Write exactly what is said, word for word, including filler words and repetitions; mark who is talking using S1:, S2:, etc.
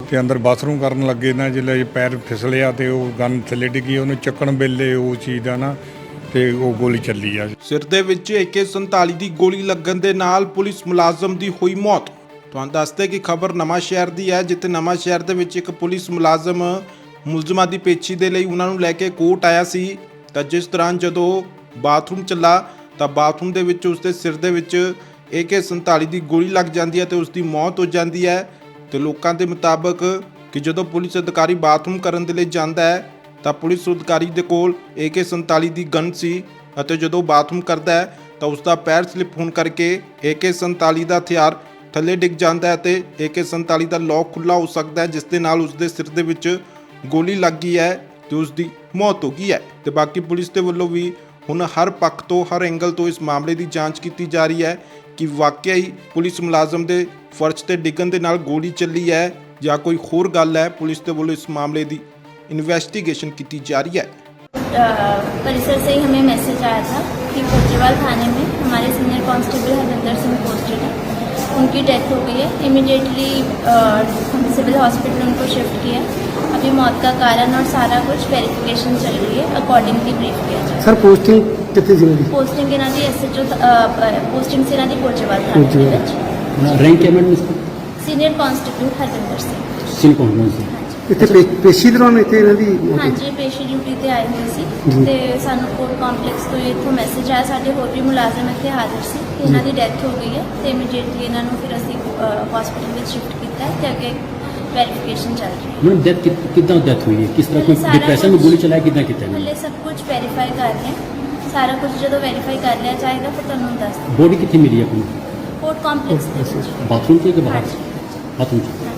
S1: ਤੇ ਅੰਦਰ ਬਾਥਰੂਮ ਕਰਨ ਲੱਗੇ ਨਾ ਜਿੱਲੇ ਪੈਰ ਫਿਸਲਿਆ ਤੇ ਉਹ ਗਨ ਥੱਲੇ ਡਿੱਗੀ, ਉਹਨੂੰ ਚੱਕਣ ਵੇਲੇ ਉਹ ਚੀਜ਼ ਦਾ ਨਾ ਤੇ ਉਹ ਗੋਲੀ ਚੱਲੀ ਆ।
S2: ਸਿਰ ਦੇ ਵਿੱਚ ਏ ਕੇ ਸੰਤਾਲੀ ਦੀ ਗੋਲੀ ਲੱਗਣ ਦੇ ਨਾਲ ਪੁਲਿਸ ਮੁਲਾਜ਼ਮ ਦੀ ਹੋਈ ਮੌਤ। ਤੁਹਾਨੂੰ ਦੱਸਦੇ ਕਿ ਖਬਰ ਨਵਾਂ ਸ਼ਹਿਰ ਦੀ ਹੈ, ਜਿੱਥੇ ਨਵਾਂ ਸ਼ਹਿਰ ਦੇ ਵਿੱਚ ਇੱਕ ਪੁਲਿਸ ਮੁਲਾਜ਼ਮ ਮੁਲਜ਼ਮਾਂ ਦੀ ਪੇਸ਼ੀ ਦੇ ਲਈ ਉਹਨਾਂ ਨੂੰ ਲੈ ਕੇ ਕੋਰਟ ਆਇਆ ਸੀ। ਤਾਂ ਜਿਸ ਦੌਰਾਨ ਜਦੋਂ ਬਾਥਰੂਮ ਚੱਲਾ ਤਾਂ ਬਾਥਰੂਮ ਦੇ ਵਿੱਚ ਉਸਦੇ ਸਿਰ ਦੇ ਵਿੱਚ ਏ ਕੇ ਸੰਤਾਲੀ ਦੀ ਗੋਲੀ ਲੱਗ ਜਾਂਦੀ ਹੈ ਤੇ ਉਸ ਦੀ ਮੌਤ ਹੋ ਜਾਂਦੀ ਹੈ। ਤੇ ਲੋਕਾਂ ਦੇ ਮੁਤਾਬਕ ਕਿ ਜਦੋਂ ਪੁਲਿਸ ਅਧਿਕਾਰੀ ਬਾਥਰੂਮ ਕਰਨ ਦੇ ਲਈ ਜਾਂਦਾ ਹੈ ਤਾਂ ਪੁਲਿਸ ਅਧਿਕਾਰੀ ਦੇ ਕੋਲ ਏ ਕੇ ਸੰਤਾਲੀ ਦੀ ਗਨ ਸੀ ਅਤੇ ਜਦੋਂ ਬਾਥਰੂਮ ਕਰਦਾ ਹੈ ਤਾਂ ਉਸ ਦਾ ਪੈਰ ਸਲਿਪ ਹੋਣ ਕਰਕੇ ਏ ਕੇ ਸੰਤਾਲੀ ਦਾ ਹਥਿਆਰ ਥੱਲੇ ਡਿੱਗ ਜਾਂਦਾ ਹੈ ਤੇ ਏ ਕੇ ਸੰਤਾਲੀ ਦਾ ਲੌਕ ਖੁੱਲ੍ਹਾ ਹੋ ਸਕਦਾ ਹੈ, ਜਿਸ ਦੇ ਨਾਲ ਉਸ ਦੇ ਸਿਰ ਦੇ ਵਿੱਚ ਗੋਲੀ ਲੱਗ ਗਈ ਹੈ ਤੇ ਉਸ ਦੀ ਮੌਤ ਹੋ ਗਈ ਹੈ। ਤੇ ਬਾਕੀ ਪੁਲਿਸ ਦੇ ਵੱਲੋਂ ਵੀ ਹੁਣ ਹਰ ਪੱਖ ਤੋਂ ਹਰ ਐਂਗਲ ਤੋਂ ਇਸ ਮਾਮਲੇ ਦੀ ਜਾਂਚ ਕੀਤੀ ਜਾ ਰਹੀ ਹੈ ਕਿ ਵਾਕਿਆ ਹੀ ਪੁਲਿਸ ਮੁਲਾਜ਼ਮ ਦੇ ਫਰਜ਼ ਤੇ ਡਿੱਗਣ ਦੇ ਨਾਲ ਗੋਲੀ ਚੱਲੀ ਹੈ ਜਾਂ ਕੋਈ ਹੋਰ ਗੱਲ ਹੈ। ਪੁਲਿਸ ਦੇ ਵੱਲੋਂ ਇਸ ਮਾਮਲੇ ਦੀ इन्वेस्टिगेशन की जा रही है।
S3: परिसर से ही हमें मैसेज आया था कि कोचेवाल थाने में हमारे senior constable Harvinder Singh posted है, उनकी डेथ हो गई है। इमिडिएटली हम सिविल हॉस्पिटल उनको शिफ्ट किया। अभी मौत का कारण और सारा कुछ वेरिफिकेशन चल रही है, अकॉर्डिंगली ब्रीफ किया जाए।
S4: सर पोस्टिंग कितनी जिले की?
S3: पोस्टिंग इन्हों की एस एच ओ पोस्टिंग से इन्हों की कोचेवाल थाने के विच।
S4: रैंक है madam?
S3: Senior constable Harvinder Singh.
S4: Singh कौन कौन सी ਇੱਥੇ ਪੇਸ਼ੀ ਦੌਰਾਨ ਇੱਥੇ ਇਹਨਾਂ ਦੀ
S3: ਹਾਂਜੀ ਪੇਸ਼ੀ ਡਿਊਟੀ ਤੇ ਆਏ ਹੋਏ ਸੀ ਤੇ ਸਾਨੂੰ ਕੋਰਟ ਕੰਪਲੈਕਸ ਤੋਂ ਇੱਥੋਂ ਮੈਸੇਜ ਆਇਆ, ਸਾਡੇ ਹੋਰ ਵੀ ਮੁਲਾਜ਼ਮ ਇੱਥੇ ਹਾਜ਼ਰ ਸੀ ਕਿ ਇਹਨਾਂ ਦੀ ਡੈਥ ਹੋ ਗਈ ਹੈ ਤੇ ਇਮੀਡੀਏਟਲੀ ਇਹਨਾਂ ਨੂੰ ਫਿਰ ਅਸੀਂ ਹਸਪੀਟਲ ਵਿੱਚ ਸ਼ਿਫਟ ਕੀਤਾ ਹੈ ਤੇ ਅੱਗੇ ਵੈਰੀਫਿਕੇਸ਼ਨ ਚੱਲ ਰਹੀ ਹੈ।
S4: मैडम डेथ कितना डेथ हुई है, किस तरह कोई डिप्रेशन में गोली चलाया, कितना कितना
S3: ਹਲੇ ਸਭ ਕੁਝ ਵੈਰੀਫਾਈ ਕਰ ਰਹੇ ਹਾਂ, ਸਾਰਾ ਕੁਝ ਜਦੋਂ ਵੈਰੀਫਾਈ ਕਰ ਲਿਆ ਜਾਏਗਾ ਫਿਰ ਤੁਹਾਨੂੰ ਦੱਸ
S4: बॉडी कितनी मिली है अपनी?
S3: कोर्ट कॉम्प्लेक्स
S4: बाथरूम से कि बाहर?
S3: हाँ जी।
S4: बाथरूम से